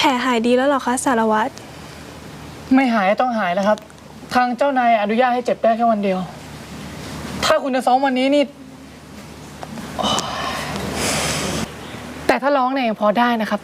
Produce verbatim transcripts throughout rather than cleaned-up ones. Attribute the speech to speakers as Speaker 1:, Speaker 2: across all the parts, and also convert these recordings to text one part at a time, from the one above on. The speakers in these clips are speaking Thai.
Speaker 1: ลหายดีแล้วหรอคะสารวัตร
Speaker 2: ไม่หายต้องหายแล้วครับทางเจ้านายอนุญาตให้เจ็บได้แค่วันเดียวถ้าคุณจะซ้อมวันนี้นี่แต่ถ้าร้องเนี่ยพอได้นะครับ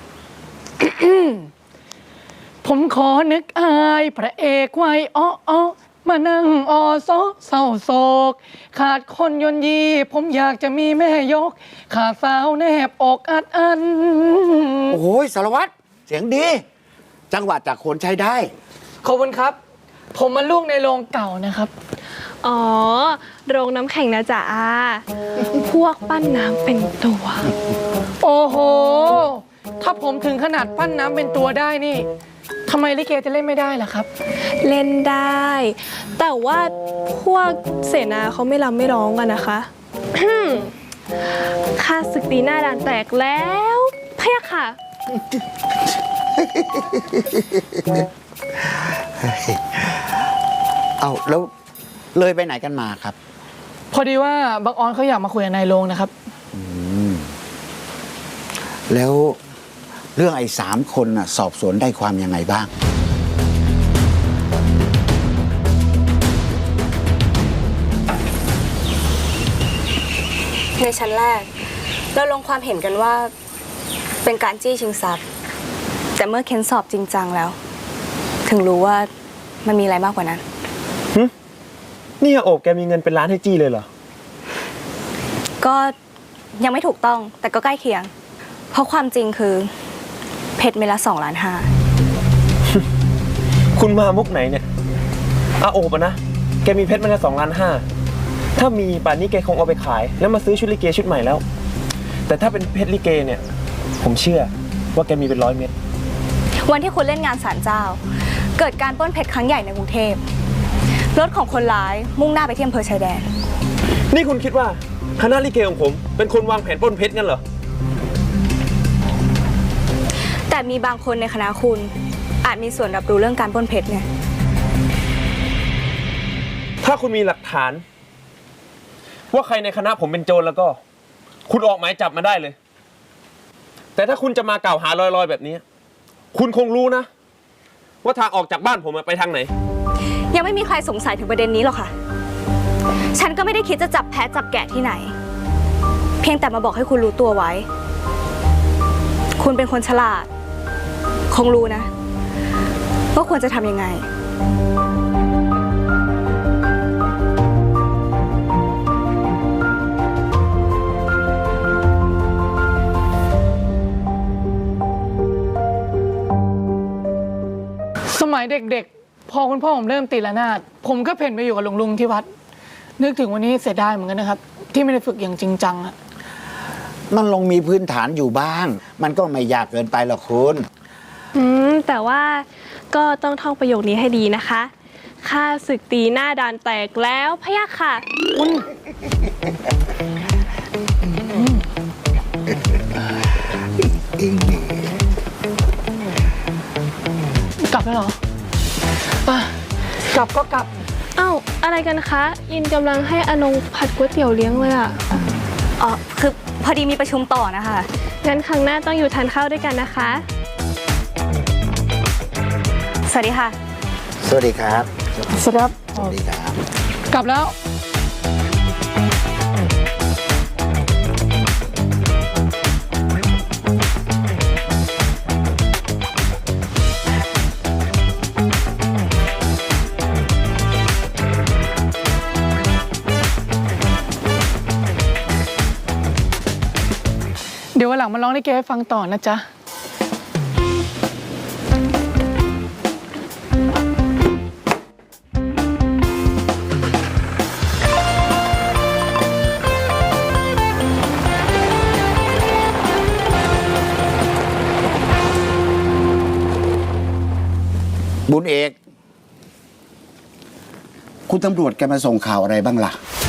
Speaker 2: ผมขอนึกอายพระเอกไว้อ้ออ้อมานั่งออซอเศร้าโศกขาดคนยนยีผมอยากจะมีแม่ยกขาดสาวแนบอกอัดอัน
Speaker 3: โอ้ยสารวัตรเสียงดีจังหวะจากคนใช้ได้
Speaker 2: ขอบคุณครับผมมันลูกในโรงเก่านะครับ
Speaker 1: อ๋อโรงน้ำแข็งนะจ๊ะอาพวกปั้นน้ำเป็นตัว
Speaker 2: โอ้โหถ้าผมถึงขนาดปั้นน้ำเป็นตัวได้นี่ทำไมลิเกจะเล่นไม่ได้ล่ะครับ
Speaker 1: เล่นได้แต่ว่าพวกเสนาเขาไม่รำไม่ร้องกันนะคะข้าศึกตีหน้าด่านแตกแล้วพะยะค่ะ
Speaker 3: เอาแล้วเลยไปไหนกันมาครับ
Speaker 2: พอดีว่าบังออนเขาอยากมาคุยกับนายโรงนะครับ
Speaker 3: แล้วเรื่องไอ้สามคนน่ะสอบสวนได้ความยังไงบ้าง
Speaker 4: ในชั้นแรกเราลงความเห็นกันว่าเป็นการจี้ชิงทรัพย์แต่เมื่อเค้นสอบจริงจังแล้วถึงรู้ว่ามันมีอะไรมากกว่านั้น
Speaker 5: นี่โอบแกมีเงินเป็นล้านให้จี้เลยเหรอ
Speaker 4: ก็ยังไม่ถูกต้องแต่ก็ใกล้เคียงเพราะความจริงคือเพชรเม็ดละสองล้านห้า
Speaker 5: คุณมามุกไหนเนี่ยอาโอบอะนะแกมีเพชรเม็ดละสองล้านห้าถ้ามีป่านนี้แกคงเอาไปขายแล้วมาซื้อชุดลิเกชุดใหม่แล้วแต่ถ้าเป็นเพชรลิเกเนี่ยผมเชื่อว่าแกมีเป็นร้อยเม็ด
Speaker 4: วันที่คุณเล่นงานศาลเจ้าเกิดการปล้นเพชรครั้งใหญ่ในกรุงเทพรถของคนร้ายมุ่งหน้าไปที่อำเภอชายแดน
Speaker 5: นี่คุณคิดว่าคณะลิเกของผมเป็นคนวางแผนปล้นเพชรงั้นเหรอ
Speaker 4: แต่มีบางคนในคณะคุณอาจมีส่วนรับรู้เรื่องการปล้นเพชรเนี่ย
Speaker 5: ถ้าคุณมีหลักฐานว่าใครในคณะผมเป็นโจรแล้วก็คุณออกหมายจับมาได้เลยแต่ถ้าคุณจะมากล่าวหาลอยๆแบบนี้คุณคงรู้นะว่าทางออกจากบ้านผมไปทางไหน
Speaker 4: ยังไม่มีใครสงสัยถึงประเด็นนี้หรอกค่ะฉันก็ไม่ได้คิดจะจับแพะจับแกะที่ไหนเพียงแต่มาบอกให้คุณรู้ตัวไว้คุณเป็นคนฉลาดคงรู้นะว่าควรจะทำยังไง
Speaker 2: สมัยเด็กๆพอคุณพ่อผมเริ่มตีระนาดผมก็เพ่นไปอยู่กับลุงลุงที่วัดนึกถึงวันนี้เสียดายเหมือนกันนะครับที่ไม่ได้ฝึกอย่างจริงจังอะ
Speaker 3: มันลงมีพื้นฐานอยู่บ้างมันก็ไม่ยากเกินไปหรอกคุณ
Speaker 1: อืมแต่ว่าก็ต้องท่องประโยคนี้ให้ดีนะคะข้าศึกตีหน้าด่านแตกแล้วพะยะค่ะ
Speaker 2: คุณกลับแล้วเหรอป่ะกลับก็กลับ
Speaker 1: เอ้าอะไรกันคะอินกำลังให้อนงผัดก๋วยเตี๋ยวเลี้ยงเลยอ่ะ
Speaker 4: อ๋อคือพอดีมีประชุมต่อนะคะ
Speaker 1: งั้นครั้งหน้าต้องอยู่ทานข้าวด้วยกันนะคะ
Speaker 4: สวัสดีค่ะ
Speaker 3: สวัสดีครับ
Speaker 2: สวัสดีครับ
Speaker 3: สวัสดีครับ
Speaker 2: กลับแล้วเดี๋ยววันหลังมาร้องลิเกให้ฟังต่อนะจ๊ะ
Speaker 3: บุญเอกคุณตำรวจแกมาส่งข่าวอะไรบ้างล่ะ